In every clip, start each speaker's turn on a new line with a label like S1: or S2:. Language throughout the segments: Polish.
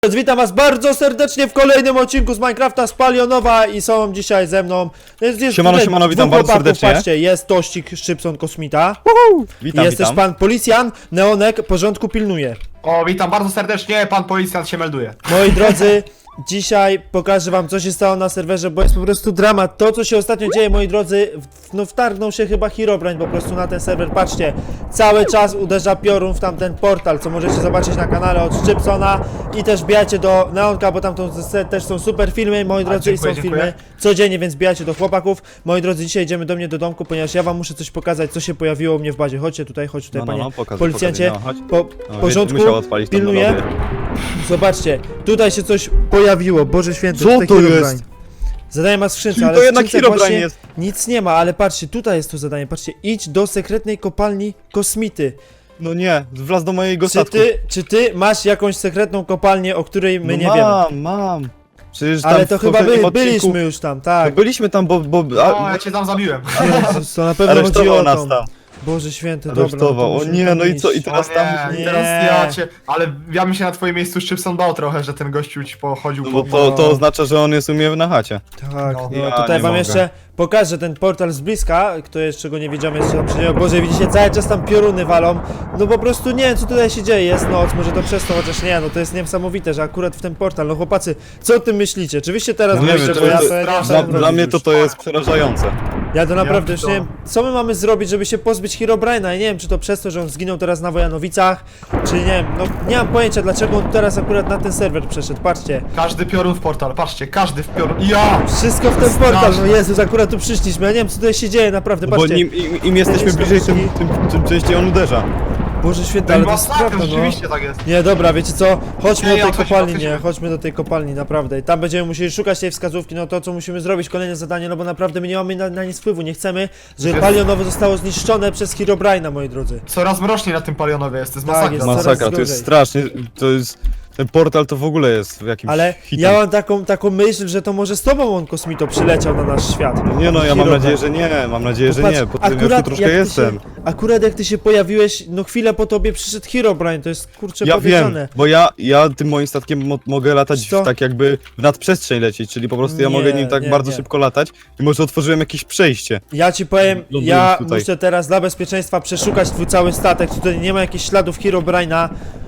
S1: Witam was bardzo serdecznie w kolejnym odcinku z Minecrafta z Palionowa i są dzisiaj ze mną.
S2: Siemano, witam bardzo serdecznie.
S1: Patrzcie, jest Tościk, Szczypson, Kosmita.
S2: Witam,
S1: jest też pan policjant, Neonek, porządku pilnuje.
S3: O, witam bardzo serdecznie, pan policjant się melduje.
S1: Moi drodzy, dzisiaj pokażę wam, co się stało na serwerze, bo jest po prostu dramat. To, co się ostatnio dzieje, moi drodzy, no wtargnął się chyba Herobrine po prostu na ten serwer. Patrzcie, cały czas uderza piorun w tamten portal, co możecie zobaczyć na kanale od Szczypsona. I też wbijajcie do Neonka, bo tam też są super filmy, moi drodzy,
S3: dziękuję,
S1: i są filmy
S3: dziękuję.
S1: codziennie, więc wbijajcie do chłopaków. Moi drodzy, dzisiaj idziemy do mnie do domku, ponieważ ja wam muszę coś pokazać, co się pojawiło u mnie w bazie. Chodźcie tutaj, panie
S2: pokaż,
S1: policjancie.
S2: chodź.
S1: Porządku,
S2: Musiał odpalić tą
S1: pilnuję.
S2: melodię.
S1: Zobaczcie, tutaj się coś pojawiło, Boże Święty,
S2: Co
S1: tutaj
S2: to
S1: Herobrine.
S2: jest?
S1: Zadanie ma w skrzynce,
S2: Czyli
S1: ale
S2: to
S1: w
S2: jednak
S1: skrzynce
S2: Herobrine
S1: właśnie
S2: jest.
S1: nic nie ma, ale patrzcie, tutaj jest to zadanie, patrzcie, idź do sekretnej kopalni Kosmity.
S2: No nie, wlazł do mojego
S1: Czy
S2: statku.
S1: ty masz jakąś sekretną kopalnię, o której my nie wiemy?
S2: Mam. Przecież
S1: Ale
S2: tam
S1: to
S2: w
S1: chyba
S2: poprzednim odcinku-
S1: byliśmy już tam, tak.
S2: Byliśmy tam,
S3: O, ja cię tam zabiłem.
S1: Jezus, to na pewno chodzi o
S2: aresztował nas
S1: to.
S2: tam.
S1: Boże Święty, dobra.
S2: Aresztował. O
S1: musimy
S2: nie,
S1: tam
S2: no i co?
S1: iść.
S2: I teraz
S3: O
S2: tam
S3: nie,
S2: musimy...
S3: teraz
S1: Nie.
S3: ja cię... Ale ja bym się na twoim miejscu Szczypson bał trochę, że ten gościu ci pochodził
S2: No bo
S3: po...
S2: to oznacza, że on jest u mnie na chacie.
S1: Tak,
S3: No.
S1: no
S2: Ja
S1: tutaj
S2: nie
S1: wam
S2: mogę.
S1: jeszcze pokażę ten portal z bliska, kto jeszcze go nie widział, jeszcze tam przyjdzie. Boże, widzicie, cały czas tam pioruny walą. No po prostu nie wiem, co tutaj się dzieje, jest noc, może to przez to, chociaż nie, no to jest niesamowite, że akurat w ten portal, no chłopacy, co o tym myślicie? Oczywiście teraz
S2: No nie
S1: myślę,
S2: wiem,
S1: bo ja
S2: to-
S1: to nie wiem, co
S2: Dla,
S1: tam
S2: dla
S1: robić
S2: mnie
S1: już.
S2: to jest przerażające.
S1: Ja to naprawdę
S3: Ja
S1: już nie wiem, co my mamy zrobić, żeby się pozbyć Herobrine'a. Ja nie wiem, czy to przez to, że on zginął teraz na Wojanowicach, czy nie wiem, no nie mam pojęcia, dlaczego on teraz akurat na ten serwer przeszedł, patrzcie.
S3: Każdy piorun w portal, patrzcie, każdy w piorun. Ja!
S1: Wszystko w ten portal, no Jezus, akurat tu przyszliśmy, ja nie wiem, co tutaj się dzieje, naprawdę,
S2: Bo
S1: patrzcie.
S2: im jesteśmy bliżej, tym częściej on uderza.
S1: Boże Święty,
S3: To
S1: ale to
S3: była
S1: jest
S3: masakra,
S1: prawda, no.
S3: rzeczywiście tak jest.
S1: Nie, dobra, wiecie co? Chodźmy
S3: Nie,
S1: do tej
S3: otwórz,
S1: kopalni,
S3: otwórz.
S1: nie, chodźmy do tej kopalni, naprawdę. I tam będziemy musieli szukać tej wskazówki, no to co musimy zrobić, kolejne zadanie, no bo naprawdę my nie mamy na nic wpływu, nie chcemy, żeby
S3: Jest.
S1: Palionowo zostało zniszczone przez Herobrine'a, moi drodzy.
S3: Coraz mroczniej na tym palionowie jest, to jest
S1: Tak,
S3: masakra.
S1: jest
S2: Masakra,
S1: coraz
S2: to jest
S1: gorzej.
S2: strasznie, to jest... Ten portal to w ogóle jest w jakimś
S1: Ale
S2: hitem.
S1: ja mam taką myśl, że to może z tobą on, Kosmito, przyleciał na nasz świat.
S2: Nie no, ja mam
S1: Herobrine.
S2: nadzieję, że nie, mam nadzieję, że
S1: Popatrz,
S2: nie, po tym już tu troszkę
S1: jak ty
S2: jestem.
S1: Akurat jak ty się pojawiłeś, no chwilę po tobie przyszedł Herobrine, to jest kurczę
S2: Ja
S1: powiedziane.
S2: wiem, bo ja tym moim statkiem mogę latać
S1: Co?
S2: tak jakby w nadprzestrzeń lecieć, czyli po prostu ja
S1: Nie,
S2: mogę nim tak
S1: nie,
S2: bardzo
S1: nie.
S2: szybko latać i może otworzyłem jakieś przejście.
S1: Ja ci powiem,
S2: Lądując
S1: ja
S2: tutaj.
S1: muszę teraz dla bezpieczeństwa przeszukać twój cały statek, tutaj nie ma jakichś śladów Herobrine'a,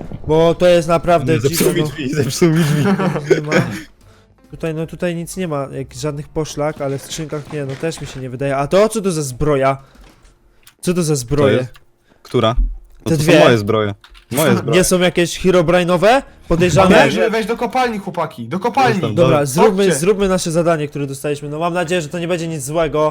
S1: bo to jest naprawdę
S2: Zepsuł mi
S1: dziwne,
S2: drzwi, zepsuł mi drzwi.
S1: no, nie ma. Tutaj, no tutaj nic nie ma, żadnych poszlak, ale w skrzynkach nie, no też mi się nie wydaje. A to co to za zbroja? Co to za zbroje?
S2: jest? Która? No
S1: Te
S2: to
S1: dwie.
S2: są moje zbroje. Moje zbroje.
S1: Nie są jakieś Herobrine'owe? Podejrzane?
S3: Weź do kopalni, chłopaki, do kopalni.
S2: Jestem.
S1: Dobra,
S3: Chodźcie.
S1: zróbmy nasze zadanie, które dostaliśmy. No mam nadzieję, że to nie będzie nic złego.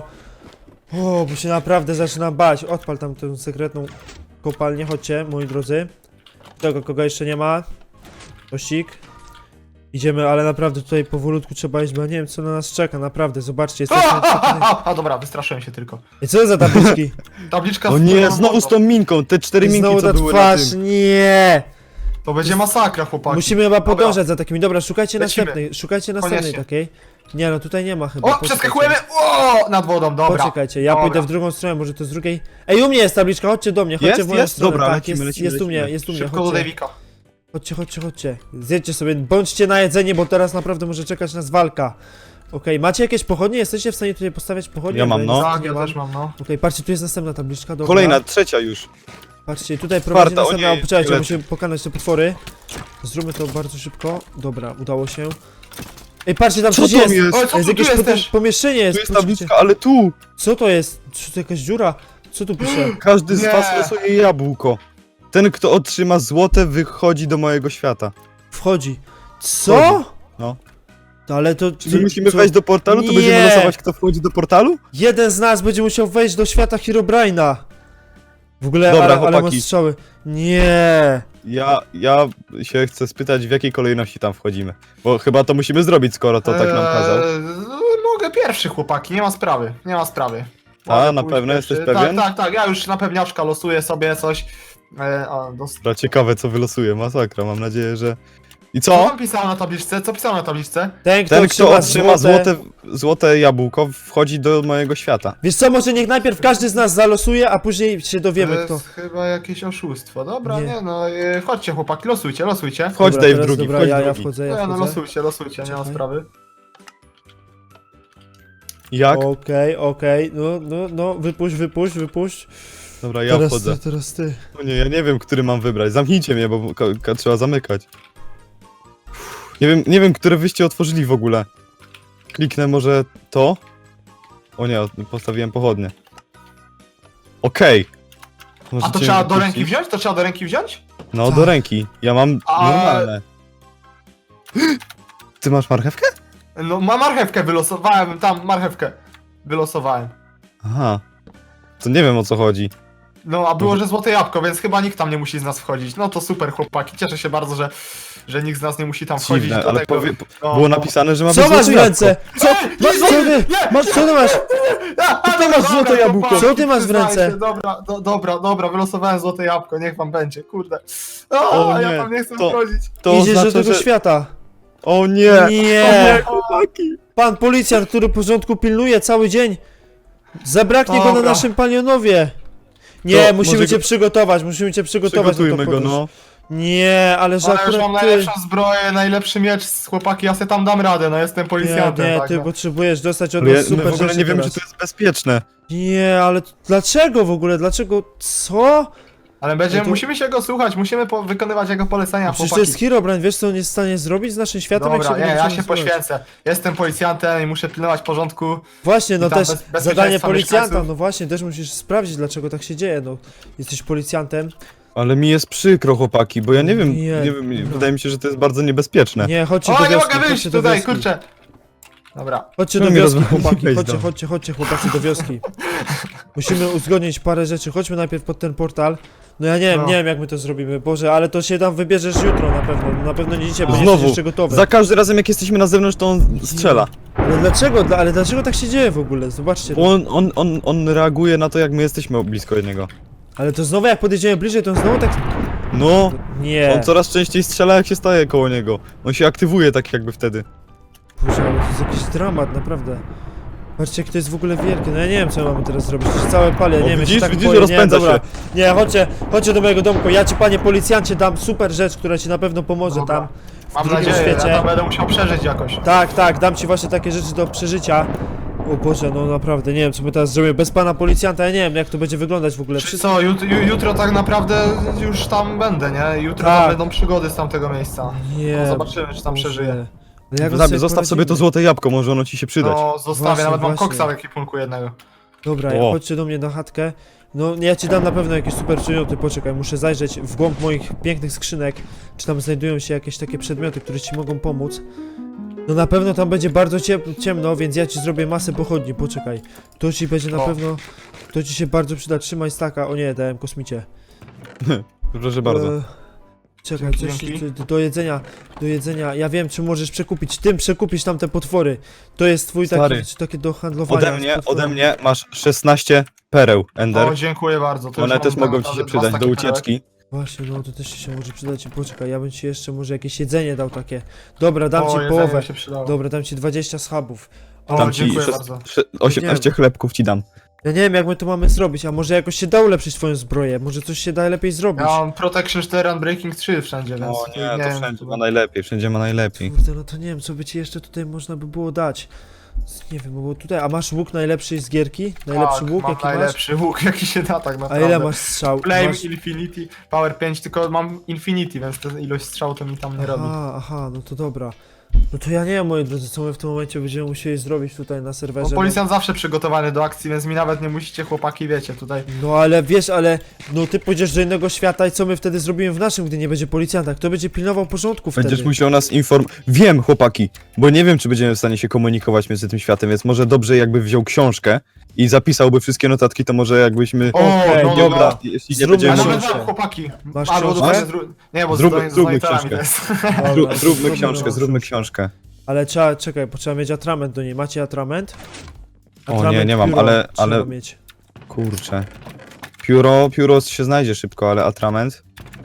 S1: O, bo się naprawdę zaczynam bać. Odpal tam tę sekretną kopalnię, chodźcie, moi drodzy. Tego, kogo jeszcze nie ma. Tościk. Idziemy, ale naprawdę tutaj powolutku trzeba iść, bo ja nie wiem, co na nas czeka, naprawdę, zobaczcie, jesteśmy...
S3: A dobra, wystraszyłem się tylko.
S1: I co za tabliczki?
S3: Tabliczka
S2: O
S3: z
S2: nie,
S3: piorun
S2: znowu z tą minką, te 4 minki
S1: Znowu
S2: co
S1: ta
S2: były na
S1: twarz,
S2: tym.
S1: nie!
S3: To będzie masakra, chłopaki.
S1: Musimy chyba
S3: Dobra.
S1: podążać za takimi, dobra, szukajcie
S3: Lecimy.
S1: następnej
S3: Koniecznie.
S1: takiej. Nie no, tutaj nie ma chyba.
S3: O,
S1: Poczekajcie.
S3: przeskakujemy! O, nad wodą, dobra.
S1: Poczekajcie, ja
S3: Dobra.
S1: pójdę w drugą stronę, może to z drugiej. Ej, u mnie jest tabliczka, chodźcie do mnie, chodźcie
S2: Jest?
S1: w moją
S2: Jest?
S1: stronę.
S2: Dobra,
S1: tak,
S2: lecimy,
S1: jest,
S2: lecimy,
S1: jest u mnie,
S2: lecimy.
S1: jest u mnie,
S3: Szybko do
S1: chodźcie.
S3: Davika.
S1: Chodźcie. Zjedźcie sobie, bądźcie na jedzenie, bo teraz naprawdę może czekać nas walka. Okej, macie jakieś pochodnie? Jesteście w stanie tutaj postawiać pochodnie?
S2: Ja mam,
S1: Bo
S2: no.
S1: nic
S3: Tak,
S1: nie
S3: ja
S1: mam.
S3: też mam, no.
S1: Okej, patrzcie, tu jest następna tabliczka, dobra.
S2: Kolejna, trzecia już.
S1: Patrzcie, tutaj prowadzi
S2: Czwarta, o
S1: następna,
S2: nie,
S1: poczekajcie,
S2: lecę.
S1: musimy pokonać te potwory. Zróbmy to bardzo szybko. Dobra, udało się. Ej, patrzcie, tam
S2: Co
S1: coś
S2: to
S1: jest!
S2: jest?
S3: Oj, co
S1: Jest
S3: tu
S1: jakieś
S3: jest też?
S1: pomieszczenie
S2: Tu
S1: jest,
S2: jest
S1: poczekajcie.
S2: tabliczka, ale tu!
S1: Co to jest? Czy to jakaś dziura? Co tu pisze?
S2: Każdy z
S3: Nie.
S2: was losuje jabłko. Ten, kto otrzyma złote, wychodzi do mojego świata.
S1: Wchodzi. Co?
S2: No.
S1: Ale to...
S2: Czyli musimy wejść do portalu, to
S1: Nie.
S2: będziemy losować, kto wchodzi do portalu?
S1: Jeden z nas będzie musiał wejść do świata Herobrine'a. W ogóle,
S2: Dobra,
S1: ale mam
S2: chłopaki.
S1: strzały. Nie.
S2: Ja się chcę spytać, w jakiej kolejności tam wchodzimy. Bo chyba to musimy zrobić, skoro to tak nam kazał.
S3: Mogę pierwszy, chłopaki, nie ma sprawy, nie ma sprawy.
S2: A,
S3: Mogę
S2: na
S3: pójść
S2: pewno
S3: pierwszy.
S2: jesteś pewien?
S3: Tak, ja już na pewniaczka losuję sobie coś.
S2: Dobra, ciekawe co wylosuje, masakra, mam nadzieję, że I
S3: Co
S2: co?
S3: tam pisało na tabliczce? Co pisało na tabliczce?
S1: Ten,
S2: Ten, kto
S1: otrzyma
S2: otrzyma złote jabłko, wchodzi do mojego świata.
S1: Wiesz co, może niech najpierw każdy z nas zalosuje, a później się dowiemy
S3: To
S1: kto.
S3: jest chyba jakieś oszustwo. Dobra,
S1: Nie.
S3: nie no, chodźcie chłopaki, losujcie.
S2: Wchodź
S1: Dobra,
S2: Dave
S1: teraz,
S2: drugi,
S1: dobra,
S2: wchodź
S1: ja
S2: drugi.
S1: wchodzę,
S3: Nie no,
S1: wchodzę.
S3: losujcie, nie ma
S1: Czekaj.
S3: sprawy.
S2: Jak?
S1: Okej, no, wypuść.
S2: Dobra, ja wchodzę.
S1: Teraz ty.
S2: O nie, ja nie wiem, który mam wybrać. Zamknijcie mnie, bo trzeba zamykać. Nie wiem, które wyście otworzyli w ogóle. Kliknę może to? O nie, postawiłem pochodnie. Okej.
S3: A
S2: Możecie
S3: to
S2: mnie
S3: trzeba do
S2: wypuścić?
S3: ręki wziąć? To trzeba do ręki wziąć?
S2: No,
S1: Tak.
S2: do ręki. Ja mam
S3: A-
S2: normalne. Ty masz marchewkę?
S3: No, marchewkę wylosowałem, tam marchewkę wylosowałem.
S2: Aha. To nie wiem, o co chodzi.
S3: No, a było, że złote jabłko, więc chyba nikt tam nie musi z nas wchodzić. No to super, chłopaki. Cieszę się bardzo, że nikt z nas nie musi tam wchodzić.
S2: Dziwne,
S3: do
S2: ale
S3: tego. No,
S2: było
S3: no.
S2: napisane, że ma
S1: Co
S2: być
S1: masz w
S2: złote
S1: ręce? Co?
S3: Masz
S1: Co ty? Co ty masz?
S3: Ty
S1: masz złote jabłko. Co ty masz w ręce?
S3: Dobra, wylosowałem złote jabłko, niech wam będzie, kurde.
S2: O
S3: Ja
S2: nie,
S3: tam nie chcę
S2: to-
S3: wchodzić.
S2: To
S1: Idziesz do
S2: oznacza,
S1: tego
S2: że...
S1: świata.
S2: O nie!
S1: Nie!
S2: chłopaki!
S1: Pan policjant, który porządku pilnuje cały dzień. Zabraknie go na
S3: Dobra.
S1: naszym palionowie. Nie,
S2: To
S1: musimy
S2: może
S1: cię
S2: go-
S1: przygotować, musimy cię przygotować. na tą
S2: Przygotujmy go,
S1: podróż.
S2: no.
S1: Nie, ale że
S3: Ale już mam
S1: akurat ty...
S3: najlepszą zbroję, najlepszy miecz, chłopaki, ja sobie tam dam radę, no jestem policjantem,
S1: Nie,
S3: tak.
S1: ty
S3: no.
S1: potrzebujesz dostać od
S2: Ale
S1: nas
S2: my
S1: super
S2: w ogóle
S1: rzeczy
S2: nie wiemy,
S1: teraz.
S2: czy to jest bezpieczne.
S1: Nie, ale dlaczego w ogóle? Dlaczego? Co?
S3: Ale
S1: No to-
S3: musimy się go słuchać, musimy wykonywać jego polecenia,
S1: Przecież to
S3: chłopaki.
S1: jest Herobrine, wiesz co on jest w stanie zrobić z naszym światem?
S3: Dobra,
S1: jak
S3: nie,
S1: się
S3: ja
S1: będziemy
S3: się
S1: zbroić?
S3: poświęcę. Jestem policjantem i muszę pilnować porządku.
S1: Właśnie, no
S3: I tam
S1: też
S3: bezpieczeństwa
S1: zadanie policjanta,
S3: mieszkańców.
S1: no właśnie, też musisz sprawdzić dlaczego tak się dzieje, no. Jesteś policjantem.
S2: Ale mi jest przykro, chłopaki, bo ja nie wiem,
S1: Nie,
S2: nie wiem,
S1: dobra.
S2: wydaje mi się, że to jest bardzo niebezpieczne.
S1: Nie, chodźcie
S3: O,
S1: do
S3: nie
S1: wioski,
S3: mogę wyjść
S1: chodźcie do
S3: tutaj,
S1: wioski.
S3: kurczę. Dobra.
S1: Chodźcie
S2: No
S1: do
S2: mi
S1: wioski,
S2: rozwaliłeś
S1: chłopaki,
S2: dom.
S1: chodźcie chłopaki do wioski. Musimy uzgodnić parę rzeczy, chodźmy najpierw pod ten portal. No ja
S3: No.
S1: nie wiem jak my to zrobimy, Boże, ale to się tam wybierzesz jutro na pewno nie dzisiaj, bo nie
S2: Znowu,
S1: jesteś jeszcze gotowy.
S2: za każdym razem jak jesteśmy na zewnątrz, to on strzela.
S1: Ale dlaczego tak się dzieje w ogóle? Zobaczcie.
S2: Bo on reaguje na to, jak my jesteśmy blisko niego.
S1: Ale to znowu jak podjedziemy bliżej, to on znowu tak...
S2: No,
S1: Nie.
S2: on coraz częściej strzela, jak się staje koło niego. On się aktywuje tak jakby wtedy.
S1: Boże, ale to jest jakiś dramat, naprawdę. Patrzcie, jak to jest w ogóle wielkie. No ja nie wiem, co mamy teraz zrobić. To się całe pali, ja
S2: O,
S1: nie wiem, ja się
S2: widzisz,
S1: tak
S2: widzisz,
S1: boję.
S2: rozpędza
S1: nie, dobra.
S2: się.
S1: Nie, chodźcie do mojego domku. Ja ci, panie policjancie, dam super rzecz, która ci na pewno pomoże
S3: Dobra.
S1: tam.
S3: Mam
S1: drugim
S3: nadzieję,
S1: świecie.
S3: ja tam będę musiał przeżyć jakoś.
S1: Tak, dam ci właśnie takie rzeczy do przeżycia. O Boże, no naprawdę, nie wiem, co my teraz zrobimy. Bez pana policjanta, ja nie wiem, jak to będzie wyglądać w ogóle.
S3: Czy co, jutro tak naprawdę już tam będę, nie? Jutro
S1: Tak.
S3: tam będą przygody z tamtego miejsca.
S1: Nie.
S3: No, zobaczymy, czy tam
S1: Boże.
S3: przeżyję.
S1: Ale jak my
S2: Zostaw sobie to
S1: poradzimy?
S2: złote jabłko, może ono ci się przydać.
S3: No, zostawię,
S1: Właśnie,
S3: nawet mam
S1: właśnie.
S3: koksa w ekwipunku jednego.
S1: Dobra,
S2: O.
S1: chodźcie do mnie na chatkę. No, ja ci dam na pewno jakieś super przedmioty, poczekaj, muszę zajrzeć w głąb moich pięknych skrzynek, czy tam znajdują się jakieś takie przedmioty, które ci mogą pomóc. No na pewno tam będzie bardzo ciemno, więc ja ci zrobię masę pochodni, poczekaj. To ci będzie na
S3: O.
S1: pewno, to ci się bardzo przyda, trzymaj staka, o nie, dałem kosmicie.
S2: Proszę bardzo.
S1: Czekaj, coś
S3: Dzięki.
S1: do jedzenia, ja wiem, czy możesz przekupić, tym przekupisz tam te potwory. To jest twój
S2: Stary.
S1: takie do handlowania. z
S2: Ode
S1: potworami.
S2: mnie masz 16 pereł, Ender.
S3: O, dziękuję bardzo. To
S2: One
S3: już
S2: też
S3: mam
S2: mogą ci
S3: naprawdę
S2: się
S3: dwa
S2: przydać do
S3: staki perełek.
S2: ucieczki.
S1: Właśnie, no to też się może przydać. Poczekaj, ja bym ci jeszcze może jakieś jedzenie dał takie. Dobra, dam
S3: O,
S1: ci
S3: jedzenie
S1: połowę.
S3: się przydało.
S1: Dobra, dam ci 20 schabów.
S3: O,
S2: Dam ci
S3: dziękuję bardzo.
S2: 18 chlebków ci dam.
S1: Ja nie wiem jak my to mamy zrobić, a może jakoś się da ulepszyć twoją zbroję, może coś się da lepiej zrobić.
S3: Ja mam Protection 4 and Breaking 3 wszędzie, więc...
S2: O nie, to
S3: wiem,
S2: wszędzie ma najlepiej, wszędzie ma najlepiej.
S1: Kurde, no to nie wiem, co by ci jeszcze tutaj można by było dać. Nie wiem, bo tutaj, a masz łuk najlepszy z gierki? Najlepszy
S3: tak,
S1: łuk
S3: mam
S1: jaki
S3: najlepszy łuk, jaki się da tak
S1: masz? A
S3: naprawdę.
S1: ile masz strzał?
S3: Flame
S1: Masz...
S3: Infinity, Power 5, tylko mam Infinity, więc ta ilość strzał to mi tam nie robi.
S1: Aha, no to dobra. No to ja nie wiem, moi drodzy, co my w tym momencie będziemy musieli zrobić tutaj na
S3: Bo
S1: serwerze.
S3: policjant zawsze przygotowany do akcji, więc mi nawet nie musicie, chłopaki, wiecie, tutaj...
S1: No ale wiesz, no ty pójdziesz do innego świata i co my wtedy zrobimy w naszym, gdy nie będzie policjanta? Kto będzie pilnował porządku wtedy?
S2: Będziesz musiał nas Wiem, chłopaki, bo nie wiem, czy będziemy w stanie się komunikować między tym światem, więc może dobrze jakby wziął książkę i zapisałby wszystkie notatki, to może jakbyśmy...
S1: Okej,
S3: no,
S1: dobra.
S3: dobra.
S2: Jeśli nie
S1: Zróbmy
S2: będziemy...
S3: Ja
S1: książkę.
S3: nawet mam, chłopaki.
S1: Masz
S3: Albo
S1: książkę?
S3: dostaję Nie, bo
S2: Zróbmy
S3: z donatami
S2: książkę.
S3: to jest.
S1: Dobra,
S2: Zróbmy książkę.
S1: Ale czekaj, bo trzeba mieć atrament do niej. Macie atrament?
S2: O, nie mam,
S1: pióro
S2: ale-
S1: trzeba mieć.
S2: Kurczę. Pióro się znajdzie szybko, ale atrament?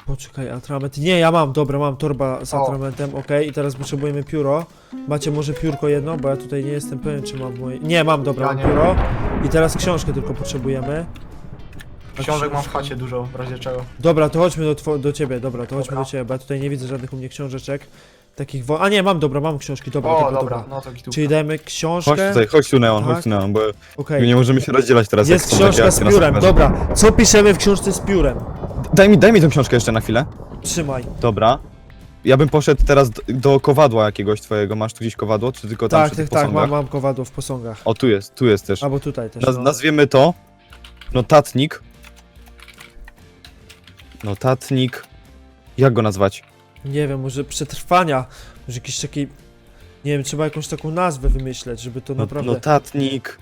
S1: Poczekaj, atrament. Nie, ja mam, dobra, mam torba z
S3: O.
S1: atramentem, okej. I teraz potrzebujemy pióro. Macie może piórko jedno, bo ja tutaj nie jestem pewien, czy mam moje... Nie, mam, dobra,
S3: Ja
S1: mam
S3: nie.
S1: pióro. I teraz książkę tylko potrzebujemy. A
S3: Książek mam w
S1: książka?
S3: chacie dużo, w razie czego.
S1: Dobra, to chodźmy do ciebie, dobra, to chodźmy
S3: Dobra.
S1: do ciebie, bo ja tutaj nie widzę żadnych u mnie książeczek. Takich A nie, mam, dobra, mam książki, dobra,
S3: O,
S1: dobra,
S3: dobra, no to gitówka.
S1: Czyli dajemy książkę.
S2: Chodź tu Neon,
S1: Tak.
S2: chodź tu Neon, bo
S1: Okej.
S2: nie możemy się rozdzielać teraz.
S1: Jest
S2: jak są takie
S1: książka z
S2: akcje na
S1: piórem,
S2: serwerze.
S1: dobra. Co piszemy w książce z piórem?
S2: Daj mi tą książkę jeszcze na chwilę.
S1: Trzymaj.
S2: Dobra. Ja bym poszedł teraz do kowadła jakiegoś twojego. Masz tu gdzieś kowadło, czy tylko tam
S1: Tak,
S2: przy
S1: tak,
S2: tych
S1: tak,
S2: posągach?
S1: mam kowadło w posągach.
S2: O, tu jest też.
S1: Albo tutaj też, no.
S2: Nazwiemy to notatnik. Notatnik. Jak go nazwać?
S1: Nie wiem, może przetrwania, może jakiś taki... Nie wiem, trzeba jakąś taką nazwę wymyśleć, żeby to naprawdę...
S2: Notatnik.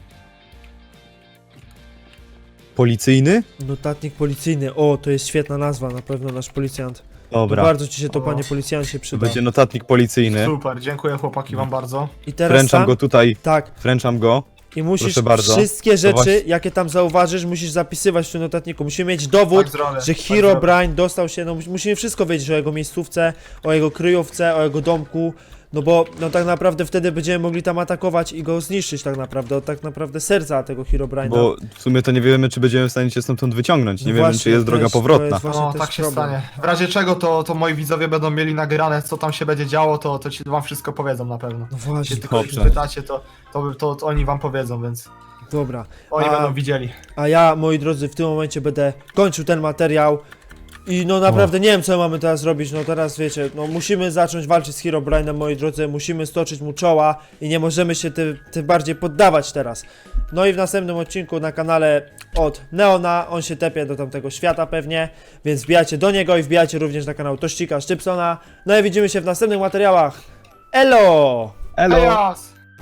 S2: Policyjny?
S1: Notatnik policyjny, o, to jest świetna nazwa, na pewno nasz policjant.
S2: Dobra.
S1: Bardzo ci się to,
S3: O.
S1: panie policjancie,
S2: To
S1: przyda.
S2: będzie notatnik policyjny.
S3: Super, dziękuję chłopaki wam bardzo.
S1: I teraz
S2: Wręczam
S1: tam,
S2: go tutaj.
S1: tak,
S2: Wręczam go.
S1: i musisz
S2: Proszę bardzo.
S1: wszystkie rzeczy,
S2: właśnie-
S1: jakie tam zauważysz, musisz zapisywać w tym notatniku. Musimy mieć dowód,
S3: Tak zrobię,
S1: że
S3: tak
S1: Herobrine dostał się, no musimy wszystko wiedzieć o jego miejscówce, o jego kryjówce, o jego domku, no bo no tak naprawdę wtedy będziemy mogli tam atakować i go zniszczyć tak naprawdę, od tak naprawdę serca tego Herobrine'a.
S2: Bo w sumie to nie wiemy, czy będziemy w stanie cię stamtąd wyciągnąć. Nie
S1: No
S2: wiemy,
S1: właśnie,
S2: czy jest
S1: to
S2: droga
S1: jest- to
S2: powrotna.
S1: jest właśnie
S3: No,
S1: też
S3: tak się
S1: problem.
S3: stanie. W razie czego to moi widzowie będą mieli nagrane, co tam się będzie działo, to ci wam wszystko powiedzą na pewno.
S1: No właśnie,
S3: Jeśli tylko ich
S2: Dobrze.
S3: pytacie, to oni wam powiedzą, więc
S1: dobra.
S3: oni
S1: A-
S3: będą widzieli.
S1: A ja, moi drodzy, w tym momencie będę kończył ten materiał. I no naprawdę nie wiem, co mamy teraz robić, no teraz wiecie, no musimy zacząć walczyć z Herobrine'em, moi drodzy, musimy stoczyć mu czoła i nie możemy się tym bardziej poddawać teraz. No i w następnym odcinku na kanale od Neona, on się tepie do tamtego świata pewnie, więc wbijajcie do niego i wbijajcie również na kanał Tościka Szczypsona. No i widzimy się w następnych materiałach. Elo!
S2: Elo!
S3: Ejas!